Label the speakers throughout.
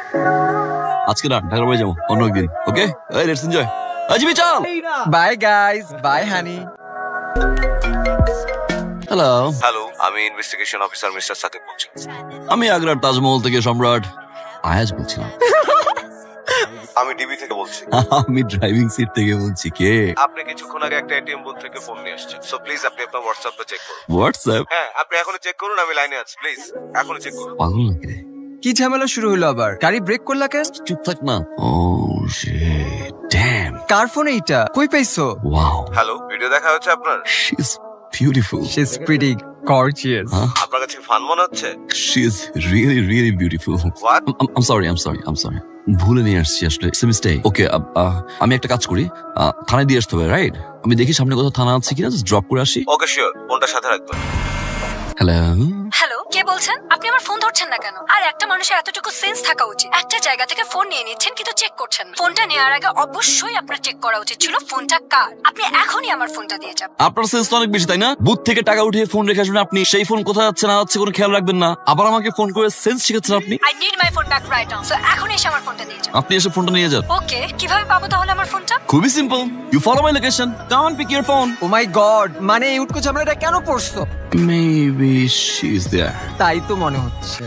Speaker 1: আজকে না ঢাকার বাড়ি যাবো, অন্য একদিন। Okay, let's enjoy. জিমি চল।
Speaker 2: Bye guys, bye honey.
Speaker 1: Hello,
Speaker 3: hello, আমি ইনভেস্টিগেশন অফিসার মিস্টার সাকিব বলছি।
Speaker 1: আমি আগ্রার তাজমহল থেকে সম্রাট আয়াজ বলছিলাম।
Speaker 3: আমি ডিবি থেকে বলছি।
Speaker 1: আমি ড্রাইভিং সিট থেকে বলছি। কে?
Speaker 3: আপনি কিছুক্ষণ আগে একটা এটিএম বুথ থেকে ফোন নিয়ে আসছেন। সো প্লিজ আপনি আপনার হোয়াটসঅ্যাপে চেক করুন।
Speaker 1: হোয়াটসঅ্যাপ?
Speaker 3: হ্যাঁ, আপনি এখনই চেক করুন, আমি লাইনে আছি। প্লিজ এখনই চেক করুন।
Speaker 1: পাগল নাকি রে?
Speaker 2: কি ঝামেলা শুরু হলো আবার? গাড়ি ব্রেক করলা কেন?
Speaker 1: চুপ থাক না। Oh shit, damn.
Speaker 2: কার ফোন এইটা? কই পাইছো?
Speaker 1: ওয়াও,
Speaker 3: হ্যালো, ভিডিও দেখা হচ্ছে আপনার?
Speaker 1: She is beautiful.
Speaker 2: She is pretty gorgeous.
Speaker 3: আপনার কাছে ফান মনে হচ্ছে?
Speaker 1: She is really really beautiful.
Speaker 3: What?
Speaker 1: I'm sorry. ভুলে নিয়ে আসছি আসলে। It's a mistake. ওকে, আমি একটা কাজ করি, থানায় দিয়ে আসতে হবে, রাইট? আমি দেখি সামনে কোথাও থানা আছে কিনা, জাস্ট ড্রপ করে আসি।
Speaker 3: ওকে শিওর, ফোনটা সাথে রাখবেন।
Speaker 1: হ্যালো,
Speaker 4: হ্যালো, কে বলছেন? আপনি আমার ফোন ধরছেন না কেন? আর একটা মানুষের এতটুকু সেন্স থাকা উচিত। একটা জায়গা থেকে ফোন নিয়ে নিচ্ছেন কিন্তু চেক করছেন না। ফোনটা নেওয়ার আগে অবশ্যই আপনার চেক করা উচিত ছিল ফোনটা কার। আপনি এখনই আমার ফোনটা দিয়ে যান।
Speaker 1: আপনার সেন্স তো অনেক বেশি, তাই না? বুথ থেকে টাকা উঠিয়ে ফোন রেখে আসবেন আপনি, সেই ফোন কোথায় যাচ্ছে না যাচ্ছে কোনো খেয়াল রাখবেন না, আবার আমাকে ফোন করে সেন্স শিখাচ্ছেন আপনি।
Speaker 4: I need my phone back right now. So এখন এসে আমার ফোনটা দিয়ে যান।
Speaker 1: আপনি এসে ফোনটা নিয়ে যান।
Speaker 4: ওকে, কিভাবে পাবো তাহলে আমার ফোনটা?
Speaker 1: খুবই simple, you follow my location, come on pick your phone.
Speaker 2: Oh my God, মানে এই উটকো ঝামেলাটা কেন পড়ছো?
Speaker 1: Maybe she is there.
Speaker 2: তাই তো মনে হচ্ছে।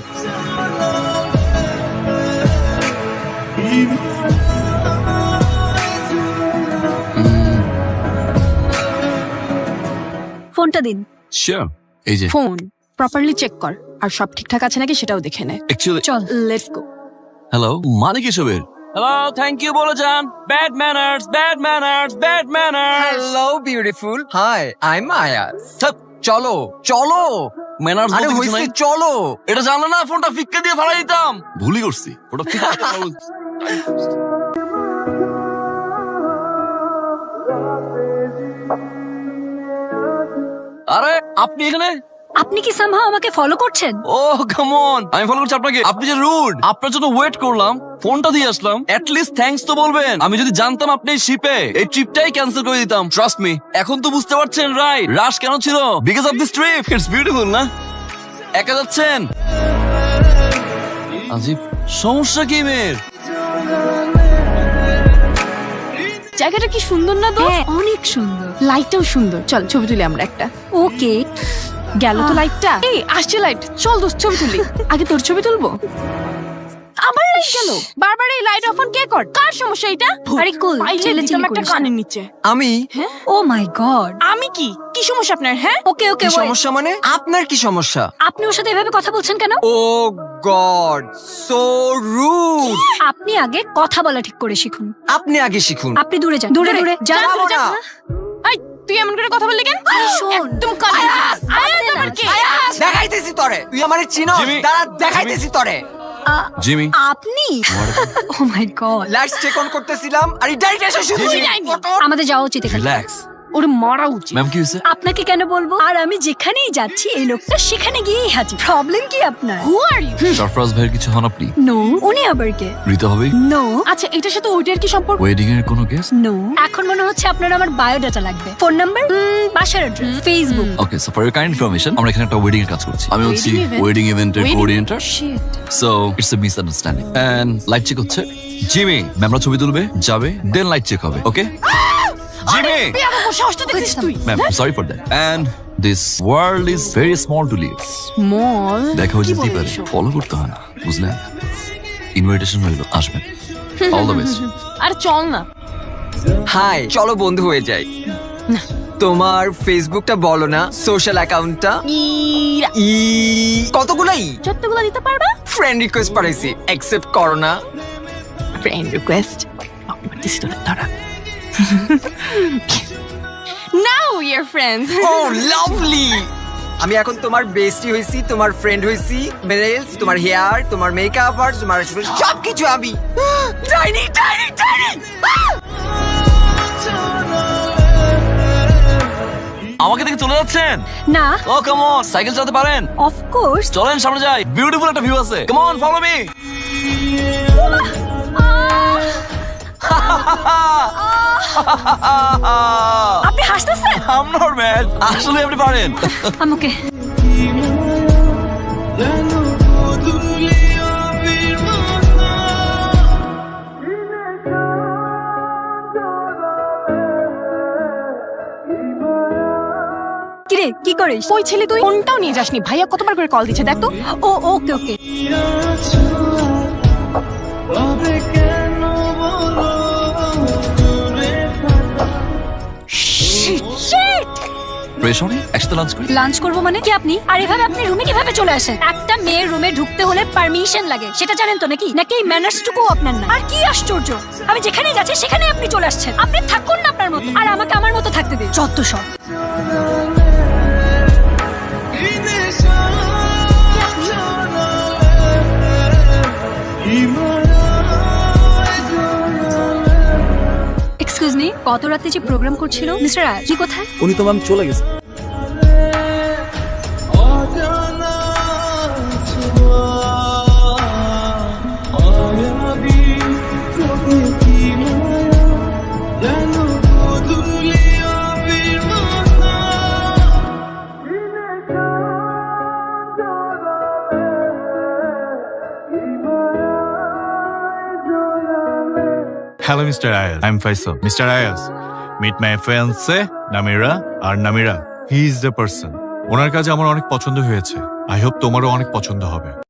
Speaker 4: ফোনটা দিন।
Speaker 1: শিওর, এই যে।
Speaker 5: ফোন প্রপারলি চেক কর আর সব ঠিকঠাক আছে নাকি সেটাও দেখে নে।
Speaker 1: অ্যাকচুয়ালি,
Speaker 4: চল।
Speaker 5: Let's go.
Speaker 1: হ্যালো, মানে কি সবের? হ্যালো, থ্যাংক ইউ বলে যান। Bad manners, bad manners, bad manners.
Speaker 2: Hello beautiful, hi I am Ayaz. চলো চলো,
Speaker 1: ম্যানার্স
Speaker 2: আরে
Speaker 1: বলতে কিছু
Speaker 2: হইছে,
Speaker 1: নাই।
Speaker 2: চলো।
Speaker 1: এটা জানলে না ফোনটা ফিক্কা দিয়ে ফালাই দিতাম। ভুলই করছি, ওটা ফিক্কা দিয়ে আরে আপনি এখানে?
Speaker 4: আপনি কি সামহাও আমাকে ফলো করছেন?
Speaker 1: ও কাম অন, আমি ফলো করছি আপনাকে। আপনি যে রুড, আপনার জন্য ওয়েট করলাম, ফোনটা দিয়ে আসলাম, এট লিস্ট থ্যাঙ্কস তো বলবেন। আমি যদি জানতাম আপনি শিপে, এই ট্রিপটাই ক্যান্সেল করে দিতাম। ট্রাস্ট মি, এখন তো বুঝতে পারছেন রাইট রাশ কেন ছিল? Because of this trip. It's beautiful না? একা যাচ্ছেন? আজিব, সমস্যা কি মেয়ের?
Speaker 5: জায়গাটা কি সুন্দর না দোস্ত?
Speaker 4: হ্যাঁ, অনেক সুন্দর।
Speaker 5: লাইটটাও সুন্দর। চল ছবি তুলি আমরা একটা।
Speaker 4: ওকে,
Speaker 5: গেল তো লাইটটা। এই আসছে লাইট, চল দোস্ত ছবি তুলি। আগে তোর ছবি তুলবো। আবার লাইট গেল। বারবার এই লাইট অফ অন কে কর? কার সমস্যা এটা?
Speaker 4: আরে কুল,
Speaker 5: পাইলে
Speaker 4: চিল্লাচিল্লি
Speaker 5: দিতাম একটা
Speaker 4: করিস না।
Speaker 5: কানের নিচে।
Speaker 2: আমি?
Speaker 4: Oh my God.
Speaker 5: আমি কি কি সমস্যা আপনার? হ্যাঁ
Speaker 4: ওকে ওকে,
Speaker 2: কি
Speaker 4: ওয়েট।
Speaker 2: সমস্যা মানে? আপনার কি সমস্যা?
Speaker 4: আপনি ওর সাথে এভাবে কথা বলছেন কেন?
Speaker 2: Oh God, so rude.
Speaker 4: আপনি আগে কথা বলা ঠিক করে শিখুন।
Speaker 2: আপনি আগে শিখুন।
Speaker 4: আপনি দূরে যান, দূরে দূরে যান।
Speaker 2: যাবো না।
Speaker 5: এই তুই এমন করে কথা বললি কেন?
Speaker 4: শোন।
Speaker 5: একদম কানে। আয়াজ আবার কে?
Speaker 2: দেখাইতেছি তরে, তুই আমারে চিনো?
Speaker 1: জিমি,
Speaker 2: দাঁড়া, দেখাইতেছি তরে।
Speaker 1: জিমি,
Speaker 4: আপনি? Oh my God.
Speaker 2: Lights check on করতেছিলাম আর এই ডাইরেক্ট এসে শুধু
Speaker 5: তুই যাইনি।
Speaker 4: আমাদের যাওয়া উচিত এখানে।
Speaker 1: রিল্যাক্স।
Speaker 5: ওর মারা উচিত।
Speaker 1: ম্যাম কি হয়েছে?
Speaker 4: আপনাকে কেন বলবো? আর আমি যেখানেই যাচ্ছি এই লোকটা সেখানে গিয়েই হাজির। প্রবলেম কি আপনার?
Speaker 5: হু আর ইউ?
Speaker 1: সরফরাজ ভাইয়ের কিছু হন আপনি?
Speaker 4: নো। উনি আবার কে?
Speaker 1: ঋতা হবে?
Speaker 4: নো
Speaker 5: আচ্ছা এটার সাথে ওইটার কি সম্পর্ক?
Speaker 1: ওয়েডিং এর কোনো গেস্ট?
Speaker 4: নো। এখন মনে হচ্ছে আপনার আমার বায়োডাটা লাগবে। ফোন নাম্বার, বাসার address, Facebook.
Speaker 1: Okay, so for your kind information, আমরা এখানে একটা ওয়েডিং এর কাজ করছি। আমি হচ্ছি
Speaker 5: Wedding event?
Speaker 1: ওয়েডিং ইভেন্টের
Speaker 5: Wedding?
Speaker 1: Coordinator.
Speaker 5: Shit.
Speaker 1: So it's a misunderstanding and light check হচ্ছে। জিমি, ম্যামরা ছবি তুলবে, যাবে, দেন লাইট চেক হবে। Okay Jimmy?
Speaker 5: তুই আমার সাহসটা দেখছিস তুই?
Speaker 1: Ma'am sorry for that. And this world is very small to live.
Speaker 5: Small?
Speaker 1: দেখা হয়ে যেতেই পারে, ফলো করতে হয় না, বুঝলেন? ইনভিটেশন হইলো, আসবেন। All the best.
Speaker 5: আরে চল না।
Speaker 2: হাই, চলো বন্ধু হয়ে যাই। তোমার ফেসবুকটা বলো না, সোশ্যাল অ্যাকাউন্টটা।
Speaker 5: ইরা
Speaker 2: ই কতগুলাই
Speaker 5: যতগুলো দিতে পারবা?
Speaker 2: ফ্রেন্ড রিকোয়েস্ট পাঠাইছি, অ্যাকসেপ্ট করো না।
Speaker 5: ফ্রেন্ড রিকোয়েস্ট দিস তো তারা। Now we are friends.
Speaker 2: Oh lovely, আমি এখন তোমার বেস্টি হইছি, তোমার ফ্রেন্ড হইছি, মেরেলস, তোমার হেয়ার, তোমার মেকআপ আর তোমার সবকিছু আমি। ডাইনি ডাইনি ডাইনি।
Speaker 1: আমাকে দেখে চলে যাচ্ছেন?
Speaker 4: না,
Speaker 1: ও কাম অন, সাইকেল চালাতে পারেন?
Speaker 4: Of course.
Speaker 1: চলেন সামনে যাই, বিউটিফুল একটা ভিউ আছে। Come on, follow me.
Speaker 4: আপনি হাসতেছেন?
Speaker 1: I'm not mad. আসলে আপনি পারেন।
Speaker 4: আমাকে কিরে কি করিস?
Speaker 5: কই ছিলি তুই? ফোনটাও নিয়ে যাসনি। ভাইয়া কতবার করে কল দিচ্ছে দেখ তো।
Speaker 4: ও ওকে ওকে।
Speaker 1: প্রেশনে একসাথে লাঞ্চ করি।
Speaker 4: লাঞ্চ করবো মানে কি আপনি? আর এভাবে আপনি রুমে কিভাবে চলে আসেন? একটা মেয়ের রুমে ঢুকতে হলে পারমিশন লাগে, সেটা জানেন তো নাকি? নাকি এই ম্যানার্সটুকু আপনার না? আর কি আশ্চর্য, আমি যেখানে যাচ্ছি সেখানে আপনি চলে আসছেন। আপনি থাকুন না আপনার মতো, আর আমাকে আমার মতো থাকতে দিন। যত সব। এক্সকিউজ মি, গত রাতে যে প্রোগ্রাম করছিল মিস্টার রাজ, কি কোথায়?
Speaker 6: উনি তো ম্যাম চলে গেছে।
Speaker 7: Hello, Mr. Ayaz. I'm Faisal. Mr. Ayaz, meet my fiancée, Namira. R Namira, he is the person. ওনার কাছে আমার অনেক পছন্দ হয়েছে। I hope তোমারও অনেক পছন্দ হবে।